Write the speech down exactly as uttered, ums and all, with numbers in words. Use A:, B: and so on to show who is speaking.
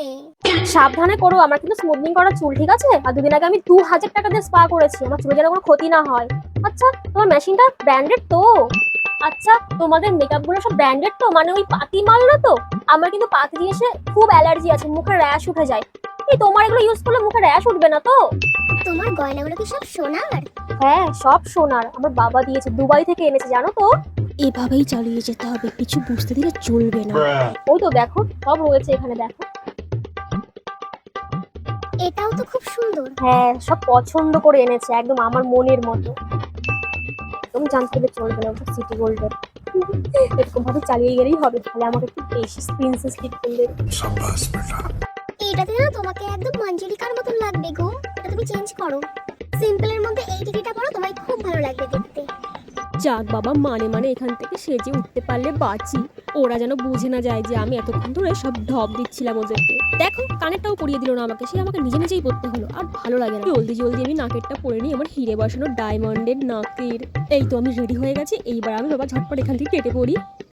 A: সাবধানে করো, আমার কিন্তু স্মুথনিং করা চুল, ঠিক আছে? আর দুদিন আগে আমি দু হাজার টাকা দিয়ে স্পা করেছি, আমার চুলে যেন কোনো ক্ষতি না হয়। আচ্ছা, তোমার মেশিনটা ব্র্যান্ডেড তো? আচ্ছা, তোমাদের মেকআপ গুলো সব ব্র্যান্ডেড তো, মানে ওই পাতি মাল না তো? আমার কিন্তু পাতি জিনিসে খুব অ্যালার্জি আছে, মুখে র্যাশ উঠে যায়। এই তোমার এগুলো ইউজ করলে মুখে র্যাশ উঠবে না তো?
B: তোমার গয়নাগুলো কি সব সোনার?
A: হ্যাঁ, সব সোনার, আমার বাবা দিয়েছে, দুবাই থেকে এনেছে, জানো তো?
C: এভাবেই চালিয়ে যেতে হবে, কিছু বুঝতে দিলে চলবে না।
A: ওই তো দেখো, সব রয়েছে এখানে, দেখো।
B: এটাও তো খুব সুন্দর।
A: হ্যাঁ, সব পছন্দ করে এনেছে, একদম আমার মনের মতো। একদম জানতে গেলে চলবে না, ওটা সিটি গোল্ডের। এরকম ভাবে চালিয়ে গেলেই হবে, তাহলে আমাকে একটু বেশি প্রিন্সেস লিপ করলে।
B: এটাতে না তোমাকে একদম মঞ্জুলিকার মতন লাগবে গো। এটা তুমি চেঞ্জ করো, সিম্পলের মধ্যে এই টিকিটা পরো, তোমায় খুব ভালো লাগবে দেখতে।
C: যাক বাবা, মানে মানে এখান থেকে সেজে উঠতে পারলে বাঁচি। ওরা যেন বুঝে না যায় যে আমি এতক্ষণ ধরে সব ঢপ দিচ্ছিলাম ওদেরকে। দেখো, কানেরটাও পরিয়ে দিল না আমাকে, সে আমাকে নিজে নিজেই পড়তে হলো, আর ভালো লাগে না। জলদি জলদি আমি নাকেরটা পরে নিই, আমার হিরে বসানো ডায়মন্ডের নাকের। এই তো আমি রেডি হয়ে গেছি, এইবার আমি বাবা ঝটপট এখান থেকে কেটে পড়ি।